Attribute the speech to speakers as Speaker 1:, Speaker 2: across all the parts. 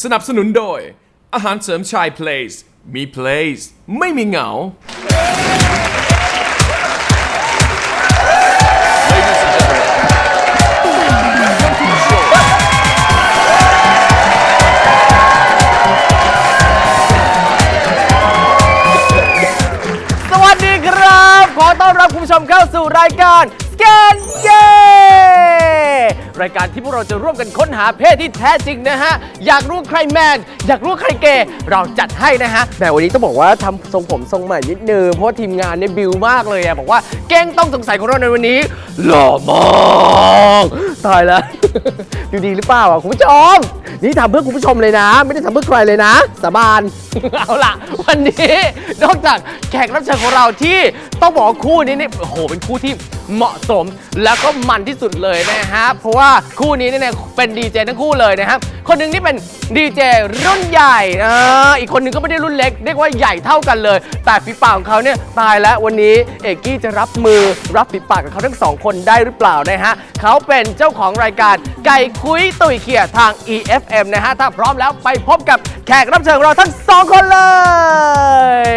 Speaker 1: สนับสนุนโดยอาหารเสริมชาย Place มี Place ไม่มีเหงา
Speaker 2: สวัสดีครับขอต้อนรับคุณผู้ชมเข้าสู่รายการสแกนเย่รายการที่พวกเราจะร่วมกันค้นหาเพศที่แท้จริงนะฮะอยากรู้ใครแมนอยากรู้ใครเกย์เราจัดให้นะฮะแต่วันนี้ต้องบอกว่าทำทรงผมทรงใหม่นิดนึงเพราะว่าทีมงานเนี่ยบิวมากเลยอะบอกว่าเก้งต้องสงสัยของเราในวันนี้หล่อมากตายแล้ว ดูดีหรือเปล่าอ่ะคุณผู้ชมนี่ทำเพื่อคุณผู้ชมเลยนะไม่ได้ทำเพื่อใครเลยนะสาบาน เอาล่ะวันนี้นอกจากแขกรับเชิญของเราที่ต้องบอกคู่นี้เนี่ยโอ้โหเป็นคู่ที่เหมาะสมแล้วก็มันที่สุดเลยนะฮะเพราะว่าคู่นี้เนี่ยเป็นดีเจทั้งคู่เลยนะครับคนหนึ่งนี่เป็นดีเจรุ่นใหญ่อีกคนหนึ่งก็ไม่ได้รุ่นเล็กเรียกว่าใหญ่เท่ากันเลยแต่ฝีปากของเขาเนี่ยตายแล้ววันนี้เอกกี้จะรับมือรับฝีปากกับเขาทั้งสองคนได้หรือเปล่านะฮะเขาเป็นเจ้าของรายการไก่คุยตุยเขี่ยทาง EFM นะฮะถ้าพร้อมแล้วไปพบกับแขกรับเชิญของเราทั้งสองคนเลย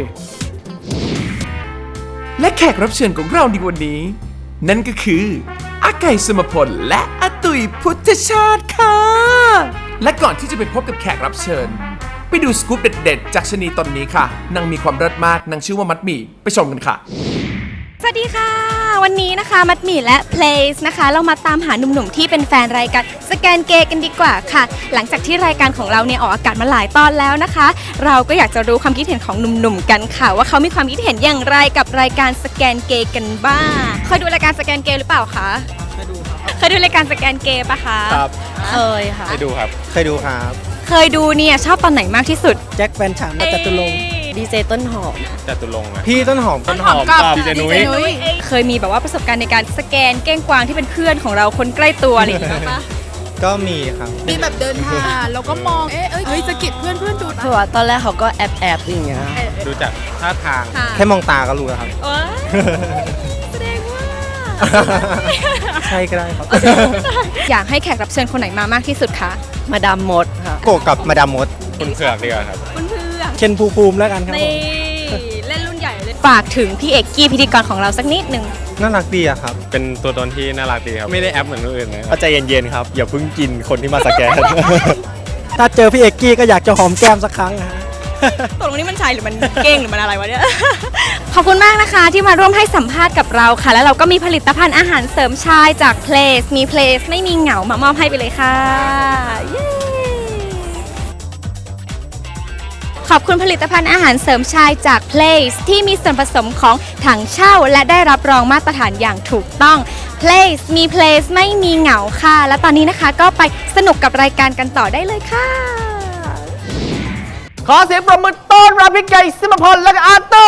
Speaker 1: และแขกรับเชิญของเราในวันนี้นั่นก็คืออาไก่สมพลและอาตุยพุทธชาติค่ะและก่อนที่จะไปพบกับแขกรับเชิญไปดูสกู๊ปเด็ดๆจากชะนีตนนี้ค่ะนางมีความเลิศมากนางชื่อว่ามัดหมี่ไปชมกันค่ะ
Speaker 3: สวัสดีค่ะวันนี้นะคะมัดหมี่และ Place นะคะเรามาตามหาหนุ่มๆที่เป็นแฟนรายการสแกนเกย์กันดีกว่าค่ะหลังจากที่รายการของเราเนี่ยออกอากาศมาหลายตอนแล้วนะคะเราก็อยากจะรู้ความคิดเห็นของหนุ่มๆกันค่ะว่าเขามีความคิดเห็นอย่างไรกับรายการสแกนเกย์กันบ้างเคยดูรายการสแกนเกย์หรือเปล่าคะเคยดูครับเคยดูรายการสแกนเกย์ปะคะ
Speaker 4: ครับ
Speaker 3: เคยค่ะ
Speaker 4: เคยดูครับเคยดูครับ
Speaker 3: เคยดูเนี่ยชอบตอนไหนมากที่สุด
Speaker 5: แจ็คแฟนฉันและจตุรงค์
Speaker 3: ดีเจต้นหอม
Speaker 4: จตุรงค์อะ
Speaker 5: พี่ต้นหอม
Speaker 4: กับดีเจนุ้ย
Speaker 3: เคยมีแบบว่าประสบการณ์ในการสแกนเก้งกวางที่เป็นเพื่อนของเราคนใกล้ตัวอะไรอย่างเงี้ยปะ
Speaker 5: ก็มีครับ
Speaker 6: มีแบบเดินผ่านแล้วก็มองเฮ้ยสะกิดเพื่อนดู
Speaker 5: คือว่าตอนแรกเขาก็แอบอย่างเงี้ย
Speaker 4: ดูจากท่าทาง
Speaker 5: แค่มองตาก็รู้แล้วครับ
Speaker 3: แสดงว่า
Speaker 5: ใช่ก็ได้ครับ
Speaker 3: อยากให้แขกรับเชิญคนไหนมามากที่สุดคะ
Speaker 5: มาดามมดค่ะโกกับมาดามมด
Speaker 4: คุณเผือกดีกว่าครับ
Speaker 3: คุณเผือก
Speaker 5: เคนภูมิแล้วกันครับ
Speaker 3: นี่เล่นรุ่นใหญ่เลยฝากถึงพี่เอกกี้พิธีกรของเราสักนิดนึง
Speaker 5: น่ารักดีอะครับ
Speaker 4: เป็นตัวตนที่น่ารักดีครับไม่ได้แอปเหมือนคนอื่นนะ
Speaker 5: ใจเย็นๆครับอย่าเพิ่งกินคนที่มาสแกนถ้าเจอพี่เอกกี้ก็อยากจะหอมแก้มสักครั้งนะ
Speaker 3: ตกลงนี่มันชายหรือมันเก้งหรือมันอะไรวะเนี่ยขอบคุณมากนะคะที่มาร่วมให้สัมภาษณ์กับเราค่ะแล้วเราก็มีผลิตภัณฑ์อาหารเสริมชายจาก Place มี Place ไม่มีเหงามามอบให้ไปเลยค่ะขอบคุณผลิตภัณฑ์อาหารเสริมชายจาก Place ที่มีส่วนผสมของถังเช่าและได้รับรองมาตรฐานอย่างถูกต้อง Place มี Place ไม่มีเหงาค่ะและตอนนี้นะคะก็ไปสนุกกับรายการกันต่อได้เลยค่ะ
Speaker 2: ขอเสียงปรบมือต้อนรับพี่ไก่สมพลและก็อาตุ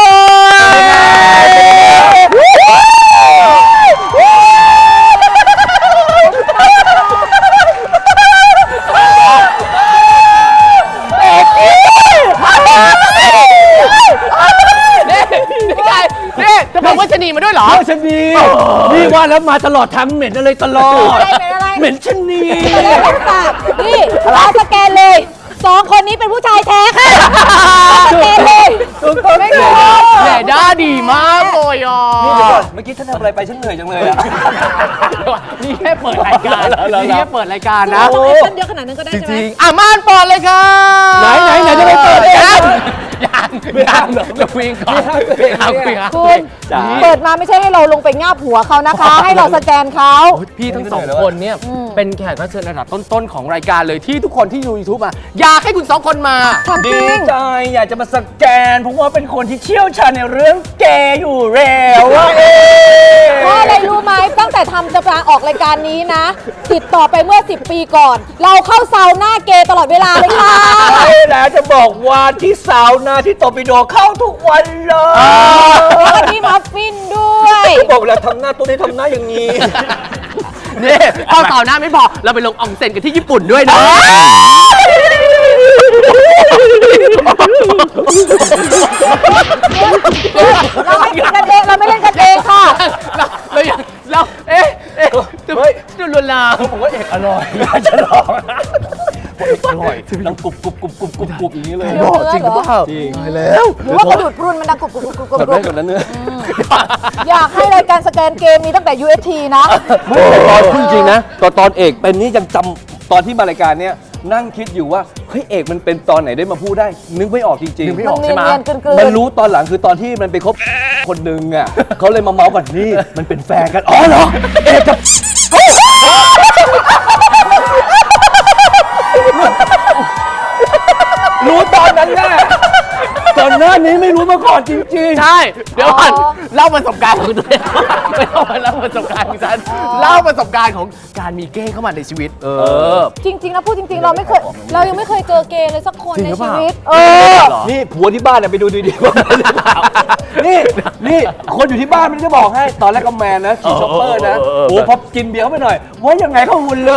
Speaker 2: นี่จะบอกว่าชะนีมาด้วยเหรอ
Speaker 5: ชะนีนี่ว่าแล้วมาตลอดทางเหม็นอะไรตลอดเหม็นชะนี
Speaker 6: นี่เราสแกนเลย2 คนนี้เป็นผู้ชายแท้ค่ะสแกนเลยไม่รู้
Speaker 2: แหม่ด้าดีมากเลยอ่ะ
Speaker 5: เมื่อกี้ท่านทำอะไรไปฉันเหนื่อยจังเลยอ่ะ
Speaker 2: นี่แค่เปิดรายการนี่แค่เปิดรายการนะ
Speaker 6: ต้นเดียวขนาดนั้นก็ได้ใช่ไหม
Speaker 2: ม่านเปิดเลยค่ะ
Speaker 5: ไหนจะไปเปิดเอง
Speaker 2: ยังจะคุยก่อน
Speaker 6: คุณเปิดมาไม่ใช่ให้เราลงไปง่าบหัวเขานะคะให้เราสแกนเขา
Speaker 2: พี่ทั้ง2 คนเนี่ยเป็นแขกรับเชิญระดับต้นๆของรายการเลยที่ทุกคนที่ดู YouTube มาอยากให้คุณ2 คนมา
Speaker 5: ดีใจอยากจะมาสแกนเพราะว่าเป็นคนที่เชี่ยวชาญในเรื่องเกย์อยู่แล้ว
Speaker 6: เพราะอะไรรู้ไหมตั้งแต่ทำจะมาออกรายการนี้นะติดต่อไปเมื่อ10 ปีก่อนเราเข้าซาวน่าเกย์ตลอดเวลาเลยค่ะ
Speaker 5: ใช่แล้วจะบอกว่าที่ซาวน่าที่โตปิโดเข้าทุกวันเลย
Speaker 6: แล้วที่มัฟฟินด้วย
Speaker 5: บอกแล้วทำหน้าตัวนี้ทำหน้าอย่างนี้
Speaker 2: นี่เข้าซาวน่าไม่พอเราไปลงอองเซ็นกันที่ญี่ปุ่นด้วยนะ
Speaker 6: เราไม่เล่นกันเองเราไม่เล่นกันเองค่ะ
Speaker 2: เราจะลวนลาม
Speaker 5: ผมว่าเอกอร่อยอยากจะลอง
Speaker 2: อร่อยดังกรุบกรุบกรุบกรุบกรุบกรุบอย่างนี้เลย
Speaker 6: หรอจริงหรือเปล่า
Speaker 2: จริงแล้ว
Speaker 6: หรือว่ากระดูดพรุนมันดังกรุบกรุบกรุบกรุบ
Speaker 2: แบบนั้นกับนั้นเนื้อ
Speaker 6: อยากให้รายการสแกนเกมมีตั้งแต่ UST นะ
Speaker 2: ไม่แต่ตอนพูดจริงนะตอนเอกเป็นนี่ยังจำตอนที่มารายการเนี้ยนั่งคิดอยู่ว่าเฮ้ยเอกมันเป็นตอนไหนได้มาพูดได้ นึกไม่ออกจริงๆ
Speaker 6: มันเนียนๆกลืนๆ
Speaker 2: มันรู้ตอนหลังคือตอนที่มันไปคบคนหนึ่งอ่ะเขาเลยมาเมาส์กันนี่มันเป็นแฟนกันอ๋อเหรอเอกกับรู้ตอนนั้นแน่ตอนหน้านี้ไม่รู้มาก่อนจริงๆ
Speaker 7: ใช่ เดี๋ยวก่อนเล่าประสบการณ์ของตัวเองไม่ต้องมาเล่าประสบการณ์ของฉันเล่าประสบการณ์ของการมีเก้งเข้ามาในชีวิต
Speaker 6: จริงๆนะพูดจริงๆ เรายังไม่เคยเจอเกย์เลยสักคนในชีวิต
Speaker 2: นี่ผัวที่บ้านเนี่ยไปดูดีๆว่านี่คนอยู่ที่บ้านไม่ได้บอกให้ตอนแรกก็แมนนะขี่ช็อปเปอร์นะโอ้พอกินเบียร์เข้าไปหน่อยว่ายังไงเข้าหุ่นเลย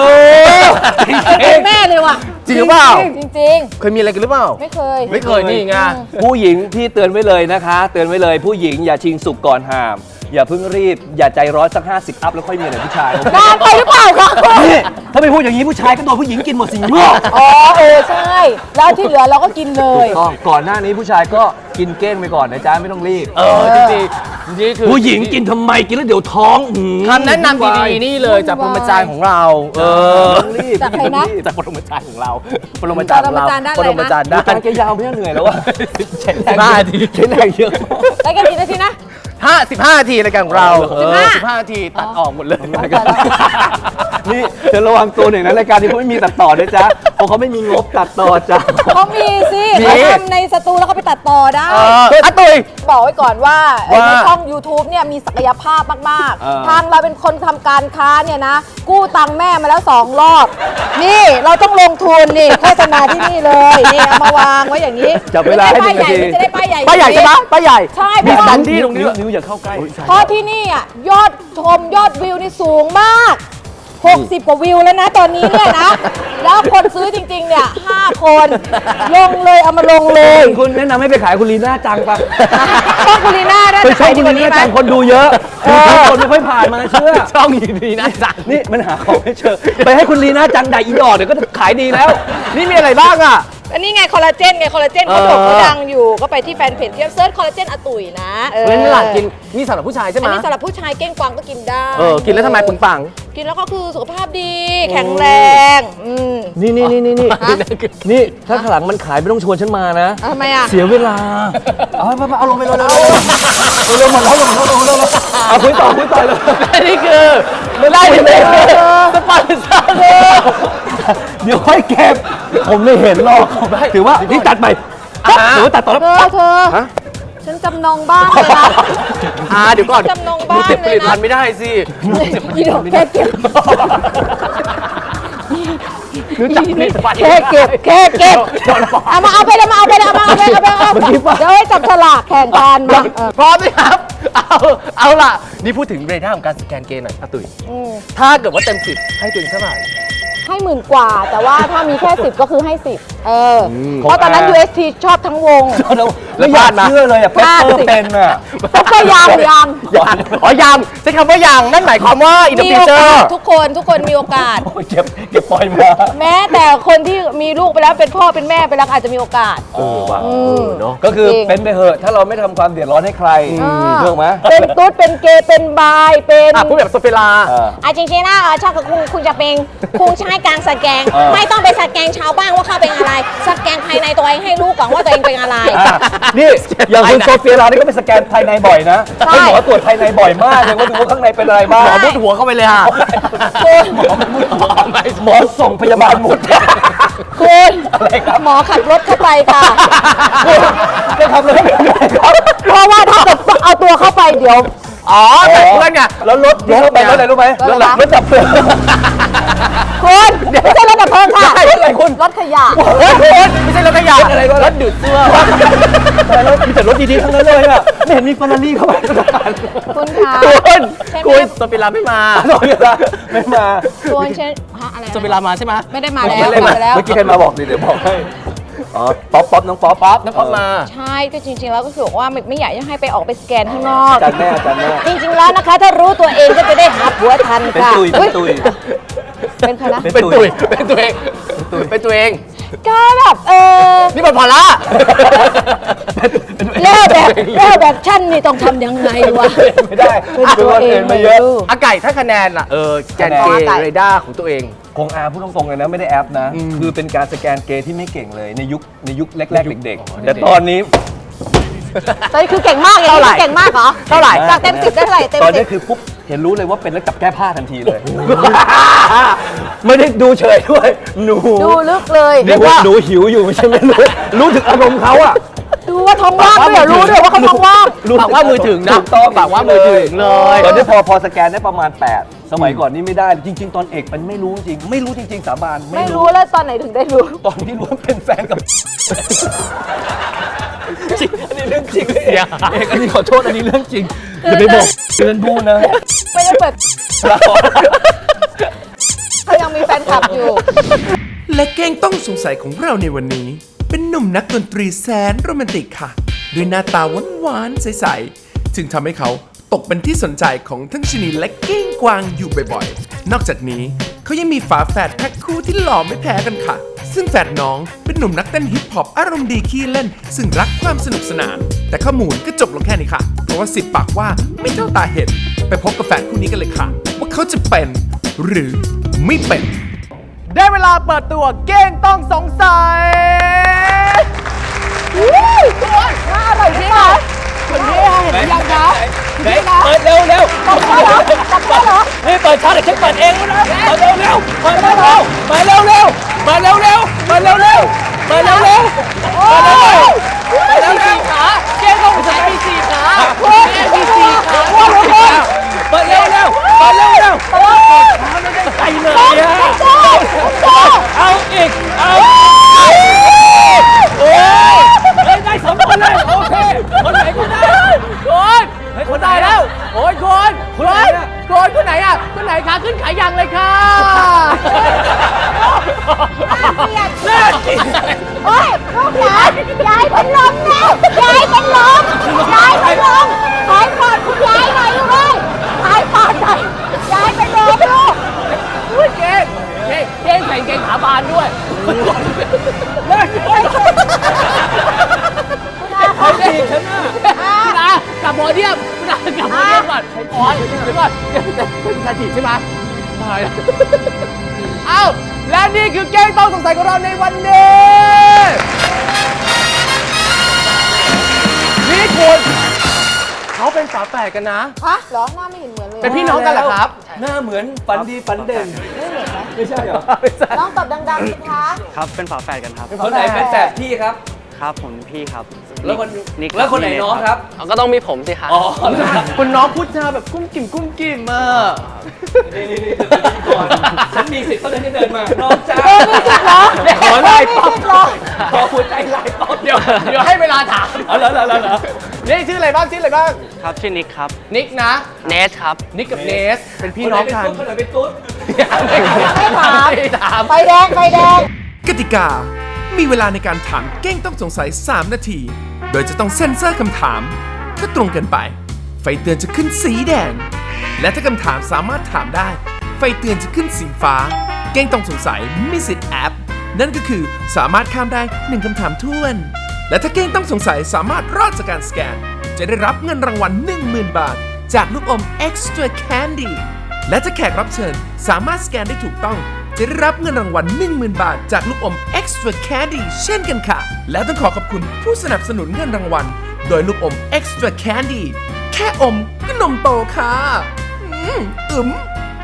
Speaker 6: เป็นแม่เลยว่ะ
Speaker 7: จริงหรือเปล่า
Speaker 6: จริง
Speaker 7: เคยมีอะไรกันหรือเปล่า
Speaker 6: ๆ ไม่เคย
Speaker 7: ไม่เคยนี่ไง
Speaker 2: ผู้หญิงพี่เตือนไว้เลยนะคะ เตือนไว้เลยผู้หญิงอย่าชิงสุกก่อนหาม อย่าเพิ่งรีบ อย่าใจร้อนสัก50 อัพแล้วค่อยมีอะไรผู้ชาย
Speaker 6: นานไปหรือเปล่าคะ
Speaker 2: นี่ถ้าไม่พูดอย่างนี้ผู้ชายก็โดนผู้หญิงกินหมดสิงโง่
Speaker 6: อ๋อใช่ แล้วที่เหลือเราก็กินเลย
Speaker 2: ก่อนหน้านี้ผู้ชายก็กินเก้งไปก่อนนะจ๊ะไม่ต้องรีบ
Speaker 7: จริงๆนี่คือ
Speaker 2: ผู้หญิงกินทำไมกินแล้วเดี๋ยวท้อง
Speaker 7: คำแนะนำดีๆนี่เลยจากปรมาจารย์ของเรา
Speaker 2: ต้องรีบ
Speaker 6: จากใครนะ
Speaker 7: จากปรมาจารย์ของเราปรมาจารย์ของเรา
Speaker 6: ปรมาจารย์ด้านอะไรนะ
Speaker 7: ปรมาจารย์ด้าน
Speaker 2: การแกยาวไม่เหนื่อยแล้ววะใช้แรง
Speaker 7: 15 นาที
Speaker 2: ใช้แรงเยอะ
Speaker 6: รายการกี่นาทีนะ
Speaker 7: 15 นาทีรายการของเรา
Speaker 6: 15
Speaker 7: 15 นาทีตัดออกหมดเลย
Speaker 2: นี่เธอระวังตัวหน่อยนะรายการนี้เขาไม่มีตัดต่อด้วยจ้ะเพราะเขาไม่มีงบตัดต่อจ้ะ
Speaker 6: เขามีสิ
Speaker 7: มี
Speaker 6: เขาทำในสตูแล้วก็ไปตัดต่อได้
Speaker 7: อะตุย
Speaker 6: บอกไว้ก่อนว่า
Speaker 7: ว่า
Speaker 6: ในช่อง YouTube เนี่ยมีศักยภาพมาก
Speaker 2: เออ
Speaker 6: ๆ ทางเราเป็นคนทำการค้าเนี่ยนะ กู้ตังค์แม่มาแล้ว 2 รอบ นี่เราต้องลงทุนนี่โฆษณาที่นี่เลย นี่เอามาวางไว้อย่างนี้
Speaker 2: จับเวลาให้
Speaker 6: ไม่ได้
Speaker 2: 1 นาที
Speaker 6: จะได้ป้ายใหญ่
Speaker 7: ป้าใหญ่ใช่ไหมป้าใหญ่
Speaker 6: ใช่เพ
Speaker 7: มี
Speaker 6: ราะ
Speaker 7: ส
Speaker 6: ว่า
Speaker 7: ถานที่ตรงนี้ด้วย
Speaker 2: นิ้วอย่าเข้าใกล้
Speaker 6: เพราะที่นี่อ่ะยอดชมยอดวิวนี่สูงมาก 60 กว่าวิวแล้วนะตอนนี้เนี่ยนะ แล้วคนซื้อจริงๆเนี่ย5 คนลงเลยเอามาลงเลย
Speaker 2: คุณแนะนำให้ไปขายคุณลีน่าจังปะ
Speaker 6: ต้องคุณลีน่าได้
Speaker 2: ไปช่อง
Speaker 6: ดี
Speaker 2: คุณ
Speaker 6: กว่า
Speaker 2: ลี
Speaker 6: นี้
Speaker 2: น่า
Speaker 6: ไหม
Speaker 2: จังคนดูเยอะคนไม่ค่อยผ่านมาเชื่อ
Speaker 7: ช่องอยู่ดีนะจ๊ะ
Speaker 2: นี่มันหาของไม่เจอไปให้คุณลีน่าจังด่าอีดอกเดี๋ยวก็ขายดีแล้ว
Speaker 7: นี่มีอะไรบ้างอ่ะ
Speaker 6: อันนี้ไงคอลลาเจนไงคอลลาเจนเขาโด่งเขาดังอยู่ก็ไปที่แฟนเพจเทียบเซิร์ชคอลลาเจนอาตุ๋ยนะ
Speaker 7: เว้นหลักกินนี่สำหรับผู้ชายใช่ไหม
Speaker 6: อันนี้สำหรับผู้ชายเก้งกวางก็กินได้
Speaker 7: กินแล้วทำไมปึงปัง
Speaker 6: กินแล้วก็คือสุขภาพดี แข็งแรง
Speaker 2: นี่นี่ถ้าข้างหลังมันขายไม่ต้องชวนฉันมานะ
Speaker 6: ทำไมอ่ะ
Speaker 2: เสียเวลาเอาลงไปเลยเร็วหมดแล้วเอาคุยต่อเลย
Speaker 7: นี่คือไม่ได้เลยสปอนเซอร์เลย
Speaker 2: เดี๋ยวค่อยเก็บผมไม่เห็นหรอกถือว่านี่ตัดไปถือว่าตัดต่อแล้ว
Speaker 6: เธอฉันจำนองบ้านเลยนะ
Speaker 7: เดี๋ยวก่อน
Speaker 6: จำนองบ้าน
Speaker 7: เก็บผลิต
Speaker 6: เลยนะ
Speaker 7: ภัณฑ์ไม่ได้สิ
Speaker 6: อีดอกแค่เก็บ
Speaker 7: รู้จักผลิตภัณฑ์
Speaker 6: แค่เก็บเอามาเอาไปเลยเดี๋ยวให้จับฉลากแข่งกันมา
Speaker 7: พร้อมไหมครับ เอาล่ะ นี่พูดถึงเรด้าของการสแกนเกย์หน่อยอาตุ๋ยถ้าเกิดว่าเต็ม10ให้ตัวเองเท่าไหร่
Speaker 6: ให้10,000 กว่า แต่ว่าถ้ามีแค่ 10 ก็คือให้ 10เพราะตอนนั้น UST ชอบทั้งวง
Speaker 2: แล้วอยากเชื่อเลยอ่ะเปเปอร์เป็นอ่ะ
Speaker 6: ก็ยัง
Speaker 7: อ๋อยามใช้คำว่ายามนั่นหมายความว่าอินเตอร์
Speaker 6: มี
Speaker 7: ฟิว
Speaker 6: โอ
Speaker 7: เจอก
Speaker 6: าส
Speaker 7: ร์
Speaker 6: ทุกคนมีโอกาส
Speaker 2: เก็บปล่อยมา
Speaker 6: แม้แต่คนที่มีลูกไปแล้วเป็นพ่อเป็นแม่ไปแล้วอาจจะมีโอกาส
Speaker 2: ว่ะ
Speaker 7: เนาะ
Speaker 2: ก็คือ
Speaker 6: จริง
Speaker 2: เป็นไปเหอะถ้าเราไม่ทำความเดือดร้อนให้ใครเรื่องไหม
Speaker 6: เป็นตุ๊ดเป็นเกย์เป็นบายเป็น
Speaker 7: พูดแบบโซเฟลา
Speaker 6: จริงๆนะชอบกับคุณจะเป็นคุณใช้การสแกน ไม่ต้องไปสแกนชาวบ้านว่าเขาเป็นอะไร สแกนภายในตัวเองให้รู้ก่อนว่าตัวเองเป็นอะไร
Speaker 2: นี่อย่างคุณโซเฟียเรานี่ก็ไปสแกนภายในบ่อยนะ
Speaker 6: ใช่
Speaker 2: ให้หมอตรวจภายในบ่อยมากเลยว่าดูว่าข้างในเป็นอะไรบ้าง
Speaker 7: หมอมุดหัวเข้าไปเลยฮะ
Speaker 2: หมอส่งพยาบาลหมด
Speaker 6: คุณหมอขับรถเข้าไปค่ะ
Speaker 2: จะทำอะไรไม่ได้ครับ
Speaker 6: เพราะว่าถ้าเกิดเอาตัวเข้าไปเดี๋ยว
Speaker 7: อ๋อแต่เพื่อนไง
Speaker 2: แล้วรถที่เข้าไปรถอะไรรู้ไหม
Speaker 6: รถอะไร
Speaker 2: รถดับเพลิง
Speaker 6: คุณไม่ใช่รถดับเพลิงค่ะ
Speaker 2: รถอะไรคุณ
Speaker 6: รถขยะ
Speaker 7: ไม่ใช่รถขยะรถดูดเสื้อ
Speaker 2: แต่รถมีแต่รถดีๆทั้งนั้นเลยอ่ะไม่เห็นมีเฟอร์รารี่เข้าไปสักคัน
Speaker 6: คุณคะ
Speaker 7: คุณโซเฟลาไม่มา
Speaker 2: โซเฟียเราไม่มา
Speaker 6: คุณเช่นอะไร
Speaker 7: โซเฟลามาใช่ไหม
Speaker 6: ไม่ได้มาแล้วมาแล้ว
Speaker 2: เมื่อกี้ใครมาบอกดิเดี๋ยวบอกให้อ๋อป๊อปน้องป๊อป
Speaker 7: น้ำป๊อปมา
Speaker 6: ใช่ก็จริงๆแล้วก็คือบอกว่าไม่อยากให้ไปออกไปสแกนข้างนอก
Speaker 2: อาจารย์แม่
Speaker 6: จริงๆแล้วนะคะ ถ้ารู้ตัวเองก็จะได้หาผัวทัน
Speaker 2: เป็น
Speaker 6: ค่ะ
Speaker 2: ตุย
Speaker 6: เป็นใครนะ
Speaker 7: เป็นตัวเองเป็นตัวเอง
Speaker 6: ก็แบบ
Speaker 7: นี่มันพอละ
Speaker 6: แล้วแบบชั่นนี่ต้องทำยังไงวะ
Speaker 5: ไม่ได้
Speaker 6: เป็นตัวเองไม่รู้
Speaker 7: อาไก่ถ้าคะแนนล่ะแกนเกย์เรดาร์ของตัวเอง
Speaker 5: คงพูดตรงๆเลยนะไม่ได้แอปนะ คือเป็นการสแกนเกย์ที่ไม่เก่งเลยในยุคแรกๆเด็กๆแต่ตอนนี้
Speaker 6: ตอนนี้คือเก่งมากอย่างนี้คือเก่งมากเหรอ
Speaker 7: เท่าไหร่
Speaker 6: จากเต็ม10ได้เท่าไหร่เต็ม
Speaker 5: ตอนนี้
Speaker 6: 10
Speaker 5: คือปุ๊บเห็นรู้เลยว่าเป็นแล้วจับแก้ผ้าทันทีเลย ไม่ได้ดูเฉยด้วยหนู
Speaker 6: ดูลึกเลย
Speaker 5: เรียกว่าหนูหิวอยู่ไม่ใช่ไม่รู้ถึงอารมณ์เขาอะ
Speaker 6: ดูว่าท้องว่างด้วยเหรอรู้ด้วยว่าเขาท้องว่าง
Speaker 7: ปากว่ามือถึงนะ
Speaker 5: ถูกต้อง
Speaker 7: ปากว่ามือถึงเลย
Speaker 5: ตอนนี้พอสแกนได้ประมาณ 8 สมัยก่อนนี่ไม่ได้จริง ๆ ตอนเอกมันไม่รู้จริงไม่รู้จริงๆสาบาน
Speaker 6: ไม่รู้แล้วตอนไหนถึงได้รู้
Speaker 5: ตอนที่รู้ว่าเป็นแฟนกับจริงอันนี้เรื่องจริงเลยเอกอันนี้ขอโทษอันนี้เรื่องจริงอย่าไปบอกเตือนดูนะ
Speaker 6: ไม่ได้เปิดเขายังมีแฟนคลับอยู่
Speaker 1: และแกงต้องสงสัยของเราในวันนี้ เป็นหนุ่มนักดนตรีแสนโรแมนติกค่ะ ด้วยหน้าตาหวานๆใสๆจึงทำให้เขาตกเป็นที่สนใจของทั้งชนีและเก้งกวางอยู่บ่อยๆ นอกจากนี้เขายังมีฝาแฝดแพ็คคู่ที่หล่อไม่แพ้กันค่ะ ซึ่งแฝดน้องเป็นหนุ่มนักเต้นฮิปฮอปอารมณ์ดีขี้เล่น ซึ่งรักความสนุกสนาน แต่ข้อมูลก็จบลงแค่นี้ค่ะ เพราะว่า10 ปากว่าไม่เท่าตาเห็น ไปพบกับแฝดคู่นี้กันเลยค่ะ ว่าเขาจะเป็นหรือไม่เป็น
Speaker 2: ได้เวลาเปิดตัวเก้งต้องสงสัย
Speaker 6: น่าอร่อยจริงเหรอคุณพี่เห็นยังคะ
Speaker 5: เปิดเร็วเร็ว
Speaker 6: จับได้เหรอจับได้เหรอ
Speaker 5: นี่เปิดช้าเดี๋ยวฉันเปิดเองนะเปิดเร็วเร็วเปิดเร็วเร็วเปิดเร็วเร็วเปิดเร็วเร็วเปิดเร็วเร็วเปิดเร็วเร็ว
Speaker 6: โอ้ย
Speaker 2: เก้งต้องสงสัยมีสี่ขา
Speaker 6: คุณมีสี่ขาคุณคุณ
Speaker 5: เปิดเร็วเร็วเปิดเร็วเร็วใจเลยอะเอาอีกเอาโอ้ยได้สองคนเลยโอเคคนไหนก็ได้
Speaker 2: คนได้แล้ว โอ้ยคนไหนอ่ะคนไหนขาขึ้นขายังเลยค่ะ
Speaker 6: โอ้ยลูกหลานยายเป็นลมแล้วยายเป็นลมยายเป็นลมหายปอดคุณยายหน่อยลูกเอ้ยหายปอดหน่อยยายเป็นลมลูก
Speaker 2: อุ้ยเก้งใส่เกงขาบานด้วย
Speaker 6: คุณอา
Speaker 2: คุณอากลับโพเดียมคุณอากลับโพเดียมก่อนอ๋อเดี๋ยวก่อนจะถีบใช่ไหมตายแล้วเอ้าและนี่คือเก้งต้องสงสัยของเราในวันนี้นี่คุณเขาเป็นฝาแฝดกันนะ
Speaker 6: ฮะเหรอหน้าไม่เห็นเหมือนเลย
Speaker 2: เป็นพี่น้องกันเหรอครับ
Speaker 5: หน้าเหมือนฝันดีฝันเด่นไม่ใช่เหรอ
Speaker 6: น้องตอบดังๆสิคะ
Speaker 8: ครับ เป็นฝาแฝดกันครับ
Speaker 5: คนไหนเป็นแฝดพี่ครับ
Speaker 8: ครับผมพี่ครับ
Speaker 5: แล้วคน
Speaker 8: นิก
Speaker 5: แล้วคนไหนน้องครับ
Speaker 8: ก็ต้องมีผมสิครับ
Speaker 5: อ๋อ
Speaker 2: คุณน้องพูดจาแบบกุ้มกิ่มอ่ะ
Speaker 5: ฉันมีสิทธิ์เท่านั้นที่เดินมา น้องจ้า
Speaker 6: มีสิทธิ์เหรอ
Speaker 5: ขอไล่ป๊อป
Speaker 6: มีสิทธิ์เหรอ
Speaker 5: ขอหัวใจไล่ป๊อป
Speaker 2: เดี๋ยวให้เวลาถาม
Speaker 5: เอาเหรอ
Speaker 2: นี่ชื่ออะไรบ้าง
Speaker 8: ครับชื่อนิกครับ
Speaker 2: นิกนะ
Speaker 8: เนสครับ
Speaker 2: นิกกับเนส เป็นพี่น้องกัน
Speaker 5: คนไหนเป็นตุ๊ด
Speaker 6: ไม่ถาม
Speaker 2: ไม่ถาม
Speaker 6: ไฟแดงไฟแดง
Speaker 1: กติกา มีเวลาในการถามเก้งต้องสงสัย 3 นาที โดยจะต้องเซ็นเซอร์คำถาม ถ้าตรงเกินไป ไฟเตือนจะขึ้นสีแดง และถ้าคำถามสามารถถามได้ ไฟเตือนจะขึ้นสีฟ้า เก้งต้องสงสัยมีสิทธิ์แอป นั่นก็คือสามารถข้ามได้ 1คำถามท้วน และถ้าเก้งต้องสงสัยสามารถรอดจากการสแกน จะได้รับเงินรางวัล 10,000 บาท จากลูกอม Extra Candy และถ้าแขกรับเชิญสามารถสแกนได้ถูกต้อง จะได้รับเงินรางวัล 10,000 บาท จากลูกอม Extra Candy เช่นกันค่ะ และต้องขอบคุณผู้สนับสนุนเงินรางวัล โดยลูกอม Extra Candy แค่อมก็นมโตค่ะอึม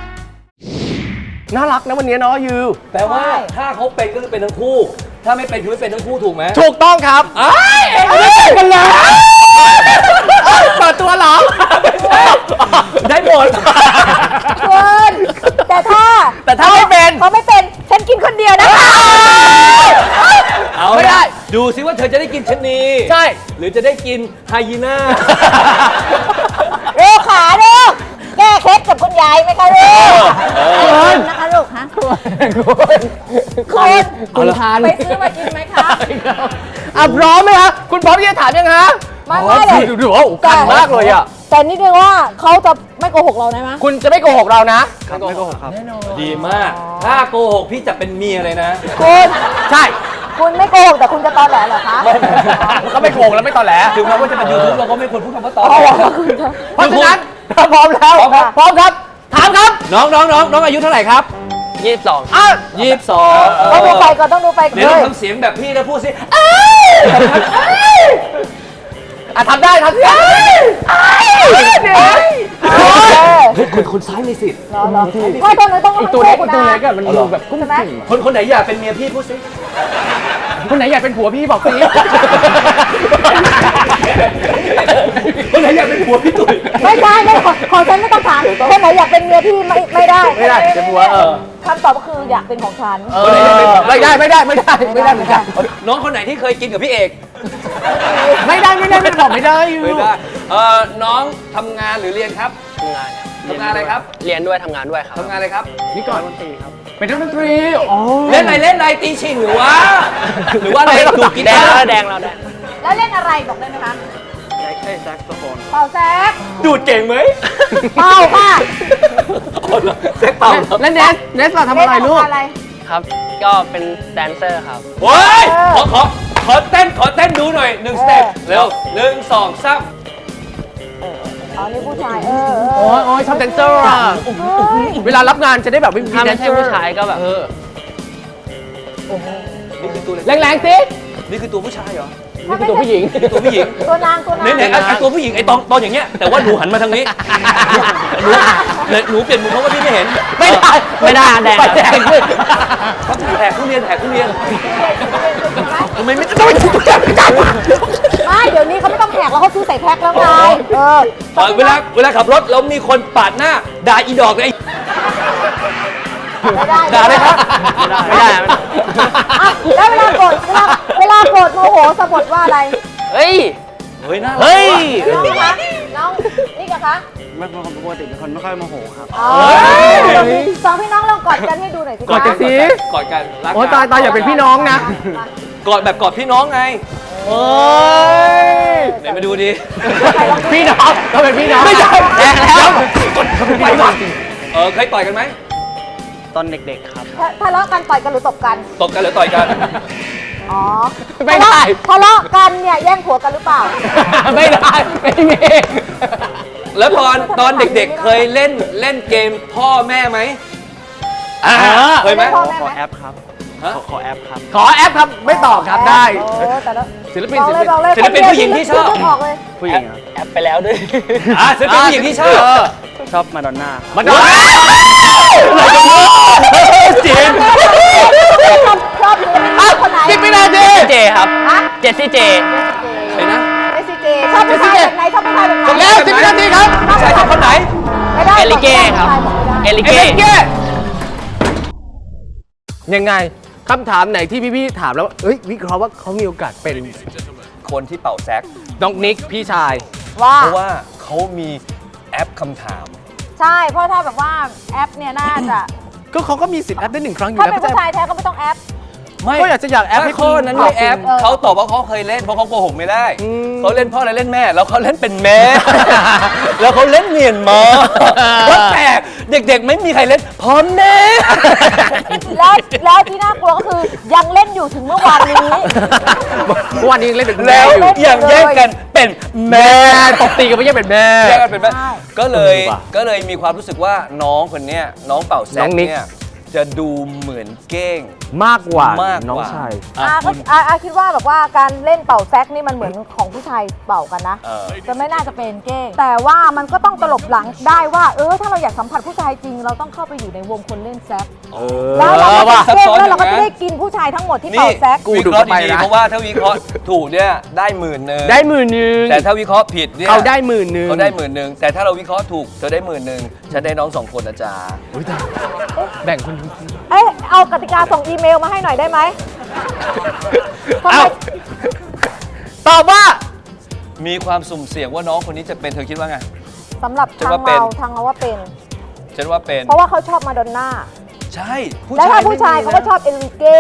Speaker 2: น่ารักนะวันนี้เนาะยู
Speaker 5: แปลว่าถ้าเขาเป็นก็คือเป็นทั้งคู่ ถ้าไม่เป็นคือไม่เป็นทั้งคู่ถูกไหม
Speaker 2: ถูกต้องครับไม่แต่งกันแล้วเปิดตัวเหรอ
Speaker 5: ได้หมด
Speaker 6: คุณแต่ถ้า
Speaker 2: ไม่เป็น
Speaker 6: เขาไม่เป็น ฉันกินคนเดียวนะคะ
Speaker 5: เอา
Speaker 2: ไม่ได้
Speaker 5: ดูซิว่าเธอจะได้กินชะนี
Speaker 2: ใช่
Speaker 5: หรือจะได้กินไฮยีน่า
Speaker 6: เร็วขาเร็วแก้เคล็ดกับคุณยายไหมคะลูกคุณนะคะลูกฮะคุณทานไปซื้อมากินไหมคะ
Speaker 2: พร้อมไหมคะคุณพร้อมที่จะถามยังฮะ
Speaker 6: ไม่เลย
Speaker 2: ดูว่ากันมากเลยอ่ะ
Speaker 6: แต่นิดนึงว่าเขาจะไม่โกหกเราได้ไหม
Speaker 2: คุณจะไม่โกหกเรานะ
Speaker 8: ครับไม่โกหกครับ
Speaker 5: ดีมาก ถ้าโกหกพี่จะเป็นเมียเลยนะ
Speaker 6: คุณ
Speaker 2: ใช่
Speaker 6: คุณไม่โกหกแต่คุณจะตอแหลเหรอคะ
Speaker 7: ก็ไม่โกงแล้วไม่ตอแหล
Speaker 5: ถึงแม้ว่าจะเป็นยูทูบเราก็ไม่ควรพูดคำว่าตอน
Speaker 7: เพราะฉะนั้นถ้าพร้อมแล้วพร้อมครับ ถามครับ
Speaker 5: น้องอายุเท่าไหร่ครับ
Speaker 8: 22
Speaker 7: อ้าว
Speaker 5: 22
Speaker 6: ต้องดูไปก่อนต้องดูไปก่อน
Speaker 5: เดี๋ยวต้องทำเสียงแบบพี่นะพูดสิ
Speaker 7: ทำได้ทำได้
Speaker 5: คนซ้ายมีสิทธิ์
Speaker 6: ไม่ตอนนั้นต้อง
Speaker 5: อีกตัวเล็กอีกตัวเล็กอะมันดูแบบ
Speaker 6: ใช่ไหม
Speaker 5: คนไหนอยากเป็นเมียพี่พูดสิ
Speaker 7: คนไหนอยากเป็นผัวพี่บอกสิ
Speaker 5: คนไหนอยากเป็นผัวพี่ตุ๋ย
Speaker 6: ไม่ใช่ไม่ของฉันไม่ต้องถามคนไหนอยากเป็นเมียพี่ไม่ได้
Speaker 7: ไม่ได้เป็นผัว
Speaker 6: คำตอบก็คืออยากเป็นของฉัน
Speaker 7: ไม่ได้เหมือนกัน
Speaker 5: น้องคนไหนที่เคยกินกับพี่เอก
Speaker 7: ไม่ได้บอกไม่ได้อยู่
Speaker 5: ไม่ได้น้องทำงานหรือเรียนครับ
Speaker 8: ทำงานครับ
Speaker 5: ทำงานอะไรครับ
Speaker 8: เรียนด้วยทำงานด้วยครับ
Speaker 5: ทำงานอะไรครับ
Speaker 7: นี่ก่อน
Speaker 8: ดนตรีครับ
Speaker 7: เป็นนักดนตรีอ๋อ
Speaker 5: เล่นอะไรตีชิงหรือว่าอะไรดูดกี
Speaker 8: แด
Speaker 5: ตาง
Speaker 8: แล้ว
Speaker 5: ร์
Speaker 8: แดงแล้วแดง
Speaker 6: แล้วเล่นอะไรบอกได้ไหมคะ
Speaker 8: แซกโซโฟน
Speaker 6: เป่าแซก
Speaker 5: ดูดเก่งไหม
Speaker 6: เป่าค่ะ
Speaker 5: แซกเป่า
Speaker 7: แล้วเนสเราทำอะไรลูก
Speaker 6: อะไร
Speaker 8: ครับ ก็เป็นแดนเซอร์ครับ
Speaker 5: โอ้ยขอเต้นดูหน่อย1สเต็ปเร็ว1 2 3
Speaker 6: อ๋อนี่ผู้ชาย
Speaker 7: โอ้ยชอบแดนเซอร์อ่ะเวลารับงานจะได้แบบไม่มี
Speaker 8: ถ้า
Speaker 7: แด
Speaker 8: ไม่
Speaker 7: นเซ
Speaker 8: ใช่
Speaker 7: อร์
Speaker 8: ผู้ชายก็แบบ
Speaker 5: นี่คือตัวอะไร
Speaker 7: แรงๆสิ
Speaker 5: นี่คือตัวผู้ชายเหรอ
Speaker 7: นี่คือตัวผู้หญิง
Speaker 5: ตัวผู้หญิง
Speaker 6: ตัวนาง
Speaker 5: ไหนไอ้ตัวผู้หญิงไอ้ตอนอย่างเงี้ยแต่ว่าหนูหันมาทางนี้หนูเปลี่ยนมุมเพราะว่าพี่ไม่เห็น
Speaker 8: ไม่ได้แดง
Speaker 7: แดงขึ้น
Speaker 5: เขาแถกทุเรียนทำไมไม่ต้อง
Speaker 6: ไม่เดี๋ยวนี้เขาไม่ต้องแหกแล้วเขาซื้อใส่แพ็คแล้วไง
Speaker 5: เวลาขับรถแล้วมีคนปาดหน้าด่าอีดอกไอ้
Speaker 6: ไม่ได้
Speaker 5: ด่าเลยครับ
Speaker 8: ไม่ได้
Speaker 6: แล้วเวลาโกรธโมโหสะบัดว่าอะไร
Speaker 8: เฮ้ย
Speaker 5: น่ารัก
Speaker 8: เฮ้ย
Speaker 6: น้องคะน้องนี่กันคะ
Speaker 8: ไม่ปกติเป็นคนไม่ค่อยโมโหครับ
Speaker 6: สองพี่น้องลองกอดกันให้ดูหน่อยสิ
Speaker 7: กอดกันสิ
Speaker 5: กอดกันรัก
Speaker 7: โอ้ยตายอย่าเป็นพี่น้องนะ
Speaker 5: กอดแบบกอดพี่น้องไง
Speaker 7: โอ้ย
Speaker 5: ไหนมาดูดิ
Speaker 7: พี่น้องเราเป็นพี่น้อง
Speaker 5: ไม่ใช่
Speaker 7: แดงแล้ว
Speaker 5: ไปก่อนเคยต่อยกันไหม
Speaker 8: ตอนเด็กๆครับ
Speaker 6: ทะเลาะกันต่อยกันหรือตบกัน
Speaker 5: ตบกันหรือต่อยกัน
Speaker 6: อ๋อ
Speaker 7: ไม่ได้
Speaker 6: ทะเลาะกันเนี่ยแย่งผัวกันหรือเปล่า
Speaker 7: ไม่ได้ไม่มี
Speaker 5: แล้วตอนเด็กๆเคยเล่นเกมพ่อแม่ไหมเคยไหม
Speaker 6: พ่อแม่
Speaker 8: ขอ
Speaker 6: ไหม
Speaker 8: แอปครับ ขอแอปครับ
Speaker 7: ขอแอปครับไม่ตอบครับได้
Speaker 6: โอ้แต่ละ
Speaker 7: ศิลปิน
Speaker 6: บอกเลย
Speaker 5: ศิลปินผู้หญิงที่ชอบ
Speaker 6: ออกเลย
Speaker 8: ผู้หญิงแอปไปแล้วด้วย
Speaker 5: ศิลปินผู้หญิงที่ชอบ
Speaker 8: ชอบมาดอนน่า
Speaker 7: มาดูจีน
Speaker 6: ชอบศิลปินคนไหน
Speaker 7: 10 วินาที
Speaker 8: เจครับ
Speaker 6: ฮะ
Speaker 8: เจสซี่เจ
Speaker 5: ใครนะ
Speaker 6: เจสซี่เจชอบผู้ชายแบบไหนชอบผู้ชายแบบไหน
Speaker 7: แล้ว10 วินาทีครับ
Speaker 5: ผู้ชายชอบคนไหน
Speaker 6: ไม่ได้
Speaker 8: เอลิเก้ครับ เอลิเก้
Speaker 7: ยังไงคำถามไหนที่พี่ถามแล้วเอ้ยวิเคราะห์ว่าเขามีโอกาสเป็น
Speaker 5: คนที่เป่าแซก
Speaker 7: น้องนิกพี่ชาย
Speaker 6: ว่า
Speaker 5: เพราะว่าเขามีแอปคำถาม
Speaker 6: ใช่เพราะถ้าแบบว่าแอปเนี่ยน่าจะ
Speaker 7: ก็เขาก็มีสิทธิ์แอปได้1 ครั้งอยู่
Speaker 6: ถ้า
Speaker 7: แล้ว
Speaker 6: เป็นผู้ชายแท้ก็ไม่ต้องแอป
Speaker 5: ไม่
Speaker 7: ก็อยากจะอยากแอปให้
Speaker 5: ข้อนั้นไม่แอป
Speaker 6: เออ
Speaker 5: เขาตอบว่าเขาเคยเล่นเพราะเขาโกหกไม่ได้เขาเล่นพ่ออะไรเล่นแม่ แล้วเขาเล่นเป็นแม่ แล้วเขาเล่นเมียนมาว่าแต่เด็กๆไม่มีใครเล่นพ่อแม่
Speaker 6: แล้วที่น่ากลัวก็คือยังเล่นอยู่ถึงเมื่อวานนี้
Speaker 7: เมื่อวานนี้ยังเล่นเป็นคุณ
Speaker 5: แล้
Speaker 7: แม่
Speaker 5: ว
Speaker 7: อยู่
Speaker 5: ยังแยกกันเป็นแม่
Speaker 7: ตบตีกันไม่ใช่เป็นแม่
Speaker 5: แยกกันเป็นแม่
Speaker 6: ใช่
Speaker 5: ก็เลยมีความรู้สึกว่าน้องคนเนี้ยน้องเป่าแซ
Speaker 7: น้
Speaker 5: ก
Speaker 7: องนิก
Speaker 5: เนี่ยจะดูเหมือนเก้ง
Speaker 7: มากกว่าม
Speaker 5: ากกว่า
Speaker 7: น้องชาย
Speaker 6: อาคิดว่าแบบว่าการเล่นเป่าแซกนี่มันเหมือนของผู้ชายเป่ากันนะ จะไม่น่าจะเป็นเก้ง แต่ว่ามันก็ต้องตลบหลังได้ว่าถ้าเราอยากสัมผัสผู้ชายจริง เราต้องเข้าไปอยู่ในวงคนเล่นแซกแล้วเราก็จะเก้งแล้วเราก็จะได้กินผู้ชายทั้งหมดที่
Speaker 5: นี่
Speaker 6: เป่าแซก
Speaker 5: วิเคราะห์ดีๆเพราะว่าถ้าวิเคราะห์ถูกเนี่ยได้10,000
Speaker 7: ได้10,000
Speaker 5: แต่ถ้าวิเคราะห์ผิดเนี่ย
Speaker 7: เขาได้10,000
Speaker 5: เขาได้10,000แต่ถ้าเราวิเคราะห์ถูกเธอได้10,000ฉันได้น้อง2 คนนะจ๊ะ
Speaker 7: แบ่งคน
Speaker 6: เอากติกาส่งอีเมลมาให้หน่อยได้ไหมทำไม
Speaker 7: เอ้าตอบว่า
Speaker 5: มีความสุ่มเสี่ยงว่าน้องคนนี้จะเป็นเธอคิดว่าไง
Speaker 6: สำหรับ
Speaker 5: ฉัน
Speaker 6: ทาง
Speaker 5: ว่าเป็น
Speaker 6: เราว่าเป็น
Speaker 5: ฉันว่าเป็น
Speaker 6: เพราะว่าเขาชอบมาดอนน่า
Speaker 5: ใช่
Speaker 6: แล้วถ้าผู้ชายเขาก็ชอบเอลิเก้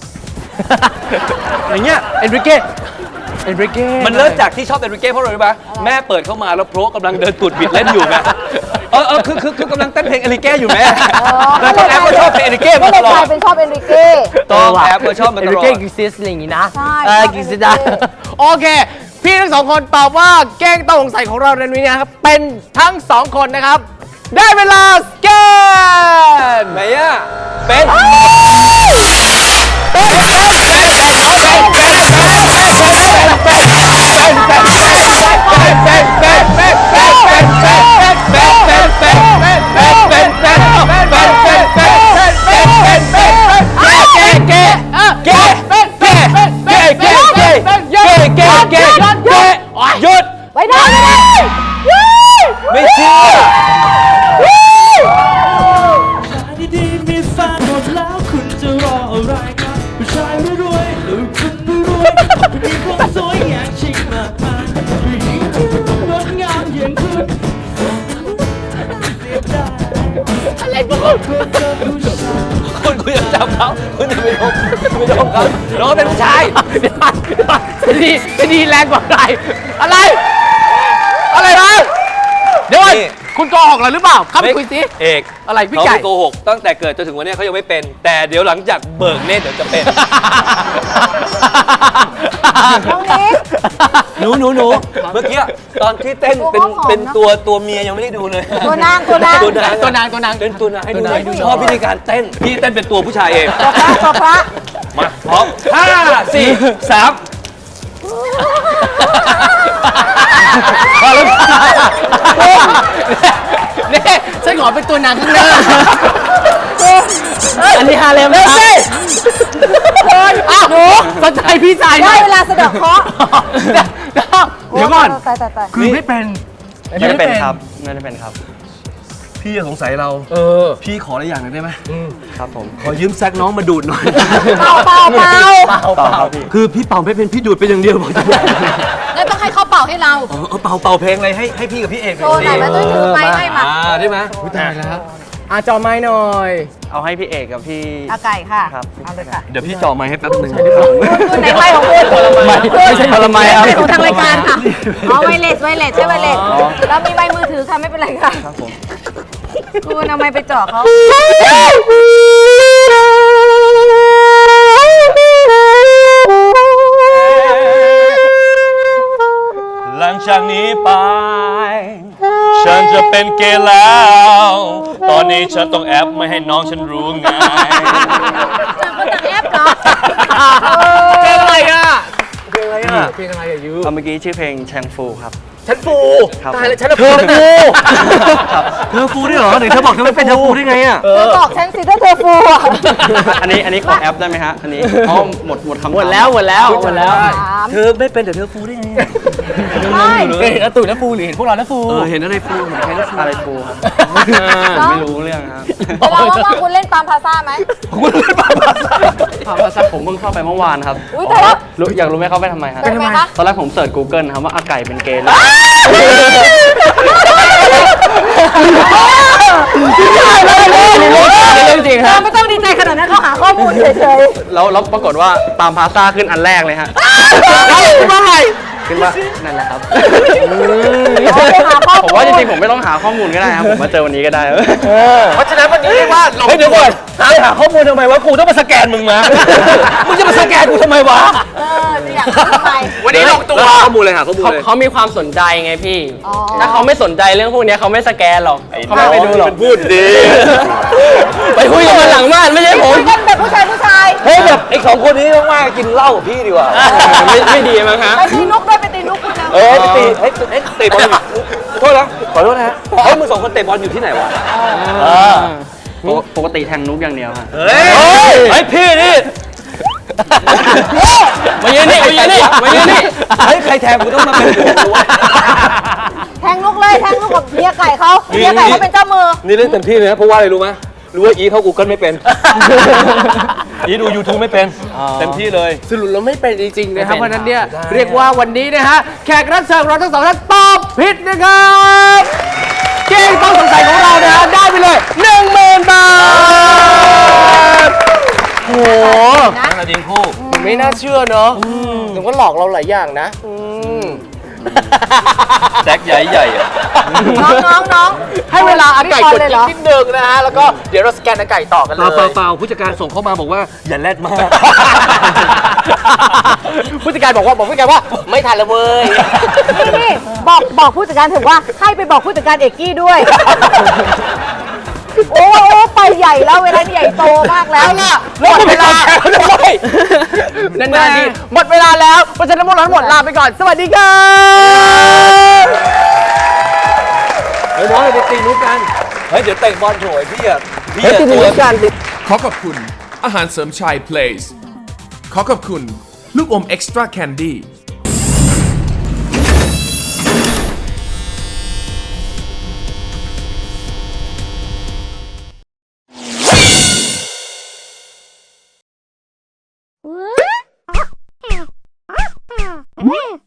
Speaker 5: อย่างเงี้ย
Speaker 7: เอนริเก้
Speaker 5: มันเริ่มจากที่ชอบเอนริเก้เพราะอะไรรู้ปะแม่เปิดเข้ามาแล้วโพรกำลังเดินตูดบิดเล่นอยู่ไงคือกำลังเต้นเพลงเอลิเก้อยู่แม่
Speaker 6: อ๋อ
Speaker 5: แล้วก็แอปก็ชอบเพลงเอลิเก้
Speaker 6: ก็
Speaker 5: มา
Speaker 6: เล
Speaker 5: ต
Speaker 6: ย
Speaker 5: ล
Speaker 6: ก
Speaker 5: อ
Speaker 6: ลา
Speaker 5: ด
Speaker 6: ยเป็นชอบเอนริเก้
Speaker 5: ต้องแอปก็ชอบมาต
Speaker 7: เอ
Speaker 5: ล
Speaker 7: ริ
Speaker 5: อด
Speaker 7: เก้กิซิสอะไรอย่างงี้นะ
Speaker 6: ใช่
Speaker 7: กิซิสโอเค พี่ทั้งสองคนตอบว่าแกล้งต้องสงสัยของเราในวันนี้นะครับ เป็นทั้งสองคนนะครับ ได้เวลาสแกน
Speaker 5: ไหนอ่ะเป็น
Speaker 7: หยุด
Speaker 6: ไปได้ไม่ได้
Speaker 5: ไม่เชื่อ
Speaker 9: ดีๆมีแฟนหมดแล้วคุณจะรออะไรครับผู้ชายรวยๆหรือคุณรวยๆผู้หญิงคนสวยอยากชิงมากมายผู้หญิงที่งดงามอย่างคุณอะไรบ้าง
Speaker 5: คุณอย่าจับเขาคุณอย่าไปดมเขาน้องเป็นผู้ชาย
Speaker 7: จะดีแรงกว่าใครอะไร อะไรวะเดี๋ยวก่อนคุณโกหกเราหรือเปล่าเข้าไปคุยสิ
Speaker 5: เอก
Speaker 7: อะไรพี่
Speaker 5: เขา
Speaker 7: ไก่
Speaker 5: ไม่โกหกตั้งแต่เกิดจนถึงวันนี้เขายังไม่เป็น แต่เดี๋ยวหลังจากเบิกเนตรเดี๋ยวจะเป็น
Speaker 6: น้องนิก
Speaker 5: หนูเมื่อกี้ตอนที่เต้นเป็นตัวเมียยังไม่ได้ดูเลย
Speaker 6: ตัวนางตัวนาง
Speaker 5: ตัวนาง
Speaker 7: ตัวนาง
Speaker 5: เป็นตัวนางให้ดูหน่อย
Speaker 6: ตัวนาง
Speaker 5: ชอบวิธีการเต้นพี่เต้นเป็นตัวผู้ชายเอง
Speaker 6: ตัวพระ
Speaker 5: มาพร้อม5 4 3
Speaker 7: นี่ฉันขอเป็นตัวนางข้างหน้าอันนี้ฮาเลมครับอ้าวสนใจพี่ชาย
Speaker 6: ได้
Speaker 7: นะ
Speaker 6: เวลาสะเดอกเคราะห์
Speaker 7: เดี๋ยวก่อน
Speaker 6: ตาย
Speaker 7: คือไม่เป็น
Speaker 8: ไม่ได้เป็นครับ ไม่ได้เป็นครับ
Speaker 5: พี่สงสัยเราพี่ขออะไรอย่างหนึ่งได้ไหม
Speaker 8: ครับผม
Speaker 5: ขอยืมแซกน้องมาดูดหน่อย
Speaker 6: เป่า
Speaker 8: เปล่าครับพี่
Speaker 5: คือพี่เป่าไม่เป็นพี่ดูดไปอย่างเดียวบอกจะบอก
Speaker 6: แล้วต้องให้เขาเป่าให้เรา
Speaker 5: เป่าเพลงอะไรให้พี่กับพี่เอก
Speaker 6: โชว์หน่อยมาตุ้ยถือไม้ให้มา
Speaker 5: ได้ไหม
Speaker 7: ตายแล้วจอไม้หน่อย
Speaker 8: เอาให้พี่เอกกับพี่
Speaker 6: เอาไก่ค่ะ
Speaker 8: ครับ
Speaker 6: เอาเลยค่ะ
Speaker 5: เดี๋ยวพี่จ่อไม้ให้แป๊บนึง
Speaker 6: คุณไหนไม้ของคุณ
Speaker 8: ไม่ใช่ผลไม้ครับ
Speaker 6: เป็นของทางรายการค่ะอ๋อไวเลสใช่ไวเลสแล้วมีใบมือถือค่ะไม่เป็นไรค่ะ
Speaker 8: ครับผม
Speaker 6: คุณเอาไม้ไปจ่อเขา
Speaker 5: หลังจากนี้ไป ฉันจะเป็นเกย์แล้ว ตอนนี้ฉันต้องแอปไม่ให้น้องฉันรู้ไง
Speaker 6: จากคนต่างแอปเหรอ
Speaker 7: เพลงอะไรอ่ะ
Speaker 5: เพลงอะไรอ่ะ
Speaker 7: เพลงอะไรอ่ะยู
Speaker 8: เอาเมื่อกี้ชื่อเพลงแชงฟูครับ
Speaker 7: ฉันฟู
Speaker 8: ครับ
Speaker 7: ตายแล้วฉันฟู
Speaker 5: เธอฟูด้วยเหรอไหนเธอบอกเธอไม่เป็นเธอฟูได้ไงอ่ะ
Speaker 6: เธอบอกฉันสิถ้าเธอฟูอ่ะ
Speaker 8: อันนี้ขอแอปได้ไหมฮะ อันนี้อ๋อหมดคำถาม
Speaker 7: หมดแล้ว
Speaker 6: ถาม
Speaker 5: เธอไม่เป็นแต่เธอฟูได้ไง
Speaker 6: ไม่
Speaker 7: เห็นอาตุ๋ยแล้วฟูหรือเห็นพวกเราแล้วฟู
Speaker 5: เห็นอะไรฟูเหมือนใครแล้วฟู
Speaker 8: อะไรฟูครับ ไม่รู้เรื่องครับ
Speaker 6: เวลาว่างๆคุณเล่นปามพาซ่าไหม
Speaker 8: ภาษาผมเพิ่งเข้าไปเมื่อวานครับ
Speaker 6: อุ๊ยตายแล้ว
Speaker 8: อยากรู้ไหมเข้าไปทำไมครับ
Speaker 6: ไปทำไมคะ
Speaker 8: ตอนแรกผมเสิร์ช Google ครับว่าอาไก่เป็นเกย์แล้ว
Speaker 7: เรื่องจริงครับ
Speaker 6: ไม่ต้องดีใจขนาดนั้นเขาหาข้อมูลเฉย
Speaker 8: แล้วปรากฏว่าตามพาสต้าขึ้นอันแรกเลยฮะ
Speaker 7: เมื่อไหร่
Speaker 8: ขึ้นว่านั่นแหละครับ
Speaker 6: ๆเขาไปหาข้อ
Speaker 8: ผม
Speaker 6: มูล
Speaker 8: ว่าจริงๆผมไม่ต้องหาข้อมูลก็ได้ครับ ผมมาเจอวันนี้ก็ได้
Speaker 7: เพราะฉะนั้นวันนี้เรียกว่าลง
Speaker 5: เฮ้ยเดี๋ยวก่อนหาข้อมูลทำไมวะกูต้องมาสแกนมึงมามึงจะมาสแกนกูทำไมวะ
Speaker 6: จะอยากรู้ทำไม
Speaker 7: วันนี้ลงตัว
Speaker 5: ข้อมูลเลยหาข้อมูลเลย
Speaker 8: เขามีความสนใจไงพี่
Speaker 6: อ๋อ
Speaker 8: ถ้าเขาไม่สนใจเรื่องพวกนี้เขาไม่สแกนหรอกเขาไม่ไปดูหรอก
Speaker 5: พูดดี
Speaker 8: ไปคุยกันมาหลังบ้านไม่ใช่ผม
Speaker 6: คุยกันแบบผู้ชาย
Speaker 5: เฮ้ยแบบไอ้2คนนี้ว่างๆกินเหล้ากับพี่ดีกว่า
Speaker 8: ไม่ดีมั้งฮะ
Speaker 6: ไปตีนุกด้วยไปตีนุกคุณแล้ว
Speaker 5: ไปตีเตะบอลอยู่โทษนะขอโทษนะฮะเฮ้ยมึง2คนเตะบอลอยู่ที่ไหนวะ
Speaker 8: ปกติแทงนุกอย่างเดียวฮะ
Speaker 5: เฮ้ยพี่นี่
Speaker 8: มายืนนี่
Speaker 5: เฮ้ยใครแทงกูต้องมาเป็นกูวะ
Speaker 6: แทงนุกเลยแทงนุกกับเมียไก่เขาเมียไก่เขาเป็นเจ้ามือ
Speaker 5: นี่เล่นเต็มที่เลยนะเพราะว่าอะไรรู้ไหมรู้ว่าอีเข้า Google ไม่เป็น อีดู YouTube ไม่เป็นเต็มที่เลย
Speaker 7: สรุปแล้วไม่เป็นจริงๆนะครับ
Speaker 8: ไม่เป็น
Speaker 7: เพราะฉะนั้นเนี่ย
Speaker 5: ได้
Speaker 7: เรียกว่าวันนี้นะฮะแขกรับเชิญของเราทั้งสองท่านตอบผิดนะครับเกมต้องสงสัยของเรานะฮะได้ไปเลย 10,000 บาทโอ้โห
Speaker 5: นั่นแหละดิงคู่
Speaker 7: ไม่น่าเชื่อเนาะถึงว่าหลอกเราหลายอย่างนะ
Speaker 5: แซกใหญ่ๆอ่ะ
Speaker 6: น้อง
Speaker 7: ให้
Speaker 2: เวลาอาไก่กด
Speaker 6: เลย
Speaker 2: จิ๊
Speaker 6: เหร
Speaker 2: ก
Speaker 6: อ
Speaker 2: นิดนึงนะฮะ แล้วก็เดี๋ยวเราสแกนอาไก่ต่อกันเลย
Speaker 8: เปล่าผู้จัดการส่งเข้ามาบอกว่าอย่าแรดมาก
Speaker 2: ผู้จัดการบอกว่าไม่ทันแล้วเว้ย
Speaker 6: นี่บอกผู้จัดการถึงว่าให้ไปบอกผู้จัดการเอกกี้ด้วย โอ้ไปใหญ่แล้วเวลาใหญ่โตมากแล้ว
Speaker 2: หมดเวลาด้วยนานๆทีหมดเวลาแล้วเพราะฉะนั้นพวกเราทั้งหมดลาไปก่อน สวัสดีครับ
Speaker 8: เฮ้ยน้องไปตีนุ๊กกัน
Speaker 5: เฮ้ยเดี๋ยวเตะบอลโถยพี่อะพี่
Speaker 8: เฮ้ย
Speaker 5: อะ
Speaker 8: ตีนุ๊
Speaker 5: ตัว
Speaker 8: กกันดิ
Speaker 1: ขอขอบคุณอาหารเสริมชาย Place ขอขอบคุณลูกอม Extra Candy
Speaker 3: What?